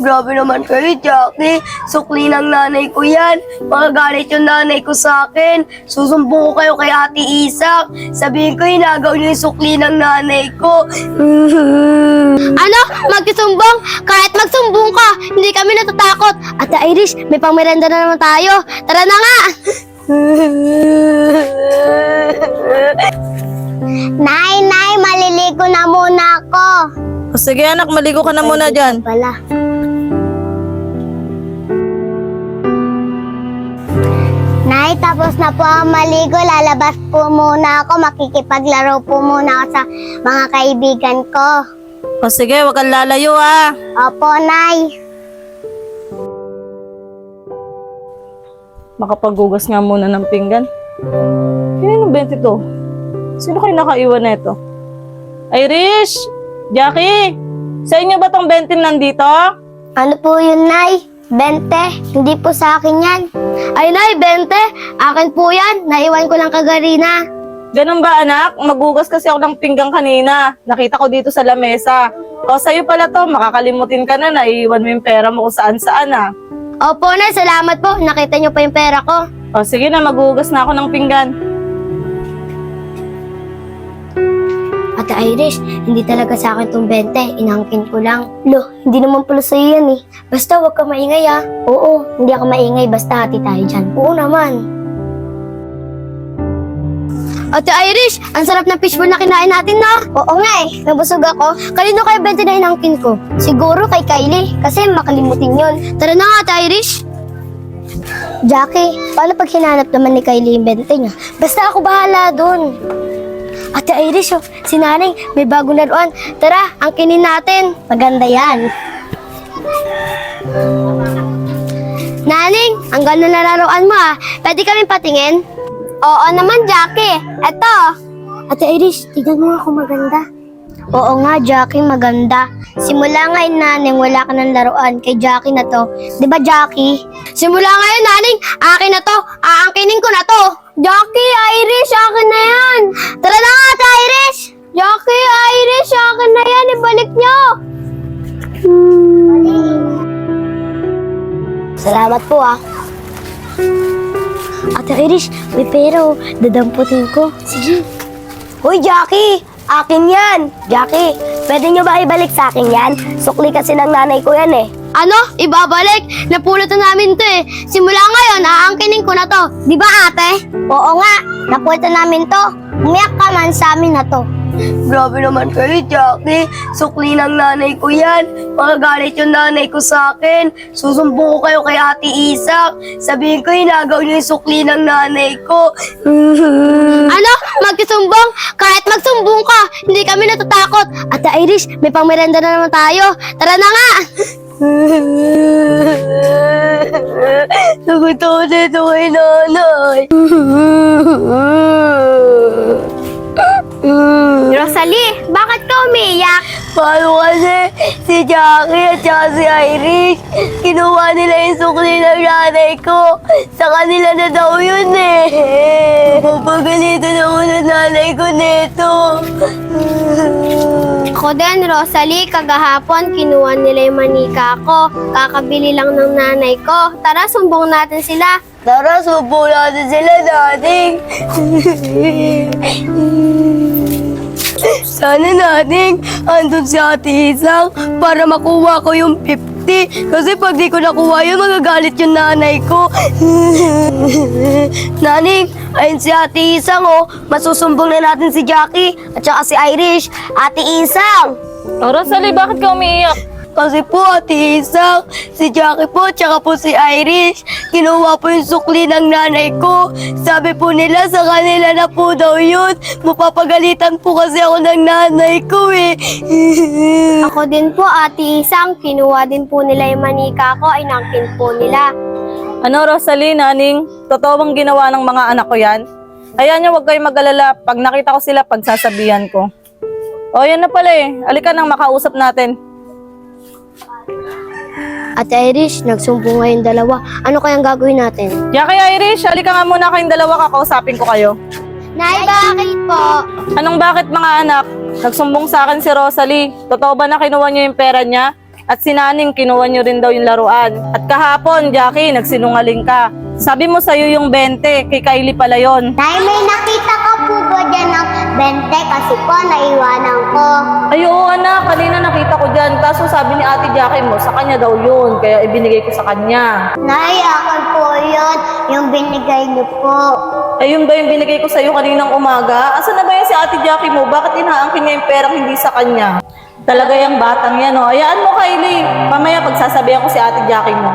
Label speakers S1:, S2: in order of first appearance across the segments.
S1: Grabe naman kayo, Jackie. Sukli ng nanay ko yan. Magagalit yung nanay ko sa akin. Susumbong ko kayo kay Ate Isak. Sabihin ko, hinagaw niyo yung sukli ng nanay ko.
S2: Ano? Magsusumbong? Kahit magsumbong ka, hindi kami natatakot. Ate Irish, may pangmerenda na naman tayo. Tara na nga! Nay, maliligo na muna ako.
S3: O sige anak, maligo ka na muna dyan.
S2: Wala. Nay, tapos na po ang maligo. Lalabas po muna ako. Makikipaglaro po muna ako sa mga kaibigan ko.
S3: O sige, huwag kang lalayo ah.
S2: Opo, Nay.
S3: Makapaghugas nga muna ng pinggan. Kanino 22? Sino kayo nakaiwan na ito? Irish! Jackie! Sa inyo ba tong 20 nandito?
S2: Ano po yun, Nay? 20. Hindi po sa akin yan. Ay, Nay, 20. Akin po yan. Naiwan ko lang kagarina.
S3: Ganun ba anak? Maghugas kasi ako ng pinggan kanina. Nakita ko dito sa lamesa. O sa'yo pala to, makakalimutin ka na, naiiwan mo yung pera mo kung saan-saan ah.
S2: Opo, Nay. Salamat po. Nakita niyo pa yung pera ko.
S3: O sige na, maghugas na ako ng pinggan.
S2: Ate Irish, hindi talaga sa akin tong 20. Inangkin ko lang. Lo, hindi naman pala sa'yo yan eh. Basta huwag ka maingay ah. Oo, hindi ako maingay. Basta hati tayo dyan. Oo naman. Ate Irish, ang sarap ng fishbowl na kinain natin na. Oo nga eh, nabusog ako. Kanino kayo 20 na inangkin ko? Siguro kay Kylie, kasi makalimutin yon. Tara na nga, Ate Irish. Jackie, paano pag hinanap naman ni Kylie yung 20 niya? Basta ako bahala dun. Ate Irish, oh, si Nanay, may bagong laruan. Tara, angkinin natin. Maganda yan. Naning, ang ganda na laruan mo ah. Pwede kami patingin? Oo naman, Jackie. Eto. Ate Irish, tignan mo ako maganda. Oo nga, Jackie, maganda. Simula ngayon, Naning, wala ka ng laruan kay Jackie na to. Di ba, Jackie? Simula ngayon, Naning, akin na to. Aangkinin ko na to. Jackie, Irish, akin na yan. Tara na nga, Ate Irish. Jackie, Irish, akin na yan. Ibalik nyo. Salamat po, ah. Ate Irish, may pera, oh. Dadamputin ko. Sige.
S1: Hoy, Jackie! Akin yan! Jackie, pwede nyo ba ibalik sa akin yan? Sukli kasi ng nanay ko yan eh.
S2: Ano? Ibabalik? Napulot na namin to eh. Simula ngayon, aangkinin ko na to. Di ba, ate? Oo nga. Napulot na namin to. Umiyak ka man sa amin na to.
S1: Grabe naman kayo, Jackie. Sukli ng nanay ko yan. Magagalit yung nanay ko sa akin. Susumbong ko kayo kay Ate Isak. Sabihin ko, hinagaw niyo yung sukli ng nanay ko.
S2: Ano? Magsusumbong? Kahit magsumbong ka, hindi kami natatakot. Ate Irish, may pangmerenda na naman tayo. Tara na nga!
S1: Nagutom dito kay nanay.
S2: Rosalie, bakit ka umiiyak?
S1: Paano kasi si Jackie at saka si Irish, kinuha nila yung sukli ng nanay ko. Sa kanila na daw yun eh. Papagalitan ako ng nanay ko nito.
S2: Ako din, Rosalie, kagahapon kinuha nila yung manika ko. Kakabili lang ng nanay ko. Tara, sumbong natin sila.
S1: Tara, subo natin sila, dating. Sana nating andun si Ate Isang para makuha ko yung 50. Kasi pag di ko nakuha yun, magagalit yung nanay ko. Naning, ayun si Ate Isang oh. Masusumbong na natin si Jackie at saka si Irish. Ate Isang!
S3: O Rosalie, bakit ka umiiyak?
S1: Kasi po, Ate Isang, si Jackie po, tsaka po si Irish, kinuha po yung sukli ng nanay ko. Sabi po nila, sa kanila na po daw yun. Mapapagalitan po kasi ako ng nanay ko eh.
S2: Ako din po, Ate Isang, kinuha din po nila yung manika ko, inangkin po nila.
S3: Ano Rosalie, Naning? Totoo bang ginawa ng mga anak ko yan? Hayaan niyo, huwag kayong mag-alala. Pag nakita ko sila, pagsasabihan ko. O yan na pala eh. Alika nang makausap natin.
S2: Ate Irish, nagsumbong nga yung dalawa. Ano kayang gagawin natin?
S3: Jackie, Irish, halika nga muna kayong dalawa, kakausapin ko kayo.
S2: Nay, bakit po?
S3: Anong bakit mga anak? Nagsumbong sa akin si Rosalie. Totoo ba na kinuha niyo yung pera niya? At si Naning, kinuha nyo rin daw yung laruan. At kahapon, Jackie, nagsinungaling ka. Sabi mo sa'yo yung 20, kay Kylie pala yon.
S2: Nay, may nakita ka po ba dyan ng 20 kasi po naiwanan ko.
S3: Ay, oo anak, kanina nakita ko dyan. Kaso sabi ni Ate Jackie mo, sa kanya daw yun. Kaya ibinigay ko sa kanya.
S2: Nay, akin po yun, yung binigay niyo po.
S3: Ay, yun ba yung binigay ko sa'yo kaninang umaga? Asan na ba yan si Ate Jackie mo? Bakit inaangkin niya yung perang hindi sa kanya? Talaga yung batang yan, oh. Hayaan mo, Kylie. Mamaya pagsasabihan ko si Ate Jackie mo.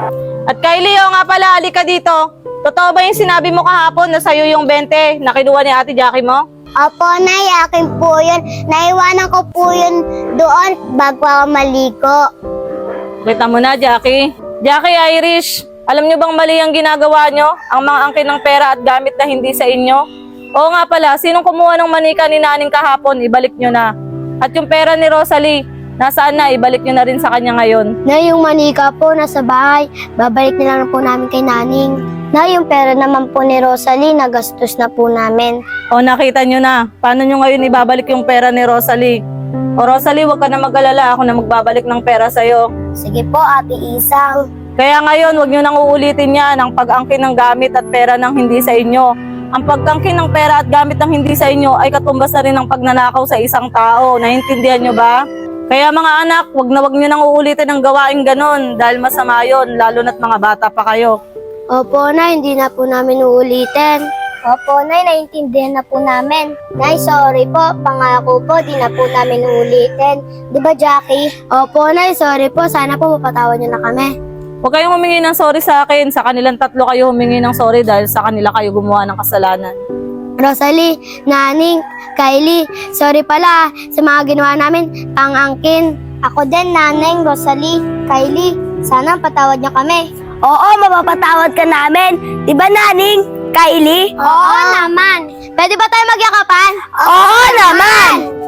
S3: At Kylie, oh nga pala, halika dito. Totoo ba yung sinabi mo kahapon na sa'yo yung 20 na kinuha ni Ate Jackie mo?
S2: Opo, Nay, akin po yun. Naiwanan ko po yun doon bago ako maligo.
S3: Kita mo na, Jackie. Jackie, Irish, alam nyo bang mali ang ginagawa nyo? Ang mga angkin ng pera at gamit na hindi sa inyo? Oo nga pala, sinong kumuha ng manika ni Naning kahapon, ibalik nyo na. At yung pera ni Rosalie, nasaan na, ibalik nyo na rin sa kanya ngayon.
S2: Nay, yung manika po nasa bahay. Babalik na lang po namin kay Naning. Nay, yung pera naman po ni Rosalie, nagastos na po namin.
S3: O nakita nyo na, paano nyo ngayon ibabalik yung pera ni Rosalie? O Rosalie, huwag ka na mag-alala, ako na magbabalik ng pera sa'yo.
S2: Sige po, Ate Isang.
S3: Kaya ngayon, huwag nyo nang uulitin yan ang pag-angkin ng gamit at pera ng hindi sa inyo. Ang pag-angkin ng pera at gamit ng hindi sa inyo ay katumbas na rin ng pagnanakaw sa isang tao. Naintindihan nyo ba? Kaya mga anak, wag nyo nang uulitin ang gawain ganon dahil masama yon, lalo na't mga bata pa kayo.
S2: Opo, Nay, hindi na po namin uulitin. Opo, Nay, naiintindihan na po namin. Nay, sorry po. Pangako po, di na po namin uulitin. Di ba, Jackie? Opo, Nay, sorry po. Sana po mapatawad niyo na kami.
S3: Huwag kayong humingi ng sorry sa akin. Sa kanilang tatlo kayo humingi ng sorry dahil sa kanila kayo gumawa ng kasalanan.
S2: Rosalie, Naning, Kylie, sorry pala sa mga ginawa namin pang-angkin. Ako din, Naning, Rosalie, Kylie, sana patawad niyo kami.
S1: Oo, mapapatawad ka namin. Di ba, Naning? Kylie?
S2: Oo naman. Pwede ba tayo magyakapan?
S1: Oo naman!